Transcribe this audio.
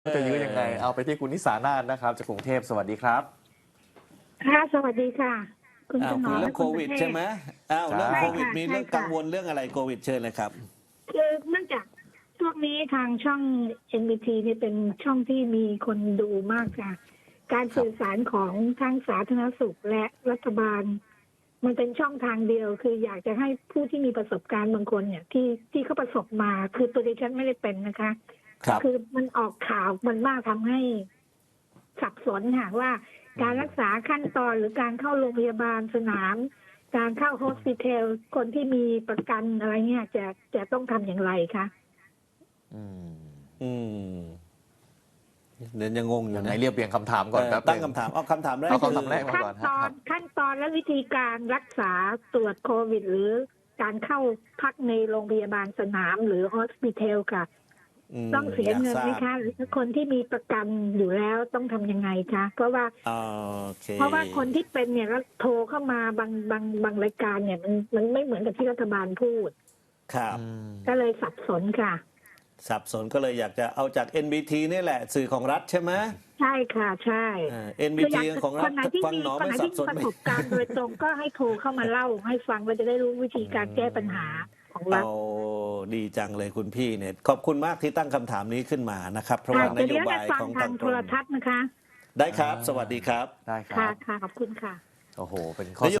จะยื้อยังไงเอาไปที่คุณนิสานาถนะครับจากกรุงเทพสวัสดีครับค่ะสวัสดีค่ะคุณถนคุอยมเรื่และองคุโคณปวิดระเทใช่ศไหมเรื่องใช่โควิดค่ะมีเรื่องใช่ค่ะกังวลเรื่องอะไรโควิดเชิญเลยครับคือเนื่องจากช่วงนี้ทางช่อง NBT นี่เป็นช่องที่มีคนดูมากค่ะ การสื่อสารของทางสาธารณสุขและรัฐบาล มันเป็นช่องทางเดียว คืออยากจะให้ผู้ที่มีประสบการณ์บางคนเนี่ยที่เขาประสบมา คือตัวดิฉันไม่ได้เป็นนะคะครับคือมันออกข่าวมันมากทำให้สับสนค่ะว่าการรักษาขั้นตอนหรือการเข้าโรงพยาบาลสนาม การเข้าโฮสปิทอลคนที่มีประกันอะไรเนี่ยจะต้องทำอย่างไรคะอืมอืมเดี๋ยวยังงงอยู่ยังไงนะเรียบเรียงคำถามก่อนแป๊บตั้งนึคำถามเอาคำถามแรกเอาคือคำถามแรกขั้นตอนและวิธีการรักษาตรวจโควิด หรือการเข้าพักในโรงพยาบาลสนามหรือโฮสปิทอลค่ะ ต้องเสียเงินไหมคะหรือคนที่มีประกันอยู่แล้วต้องทำยังไงคะเพราะว่าโอเคเพราะว่าคนที่เป็นเนี่ยแล้วโทรเข้ามาบางรายการเนี่ยมันไม่เหมือนกับที่รัฐบาลพูดครับก็เลยสับสนค่ะสับสนก็เลยอยากจะเอาจาก NBT นี่แหละ สื่อของรัฐใช่ไหมใช่ค่ะใช่ NBT ของรัคฐนไหนที่ฟังมีหนอคนไม่ไหนสัที่บมีสนประไม่สบการณ์โดยตรงก็ให้โทรเข้ามาเล่าให้ฟังเราจะได้รู้วิธีการแก้ปัญหาของรัฐดีจังเลยคุณพี่เนี่ยขอบคุณมากที่ตั้งคำถามนี้ขึ้นมานะครับ เพราะว่านจะโยเดี๋ยวบาจะยฟังของทาทาง งโทกรรมทัศน์นะคะได้ครับ สวัสดีครับได้คค่ะรับค่ะขอบคุณค่ะ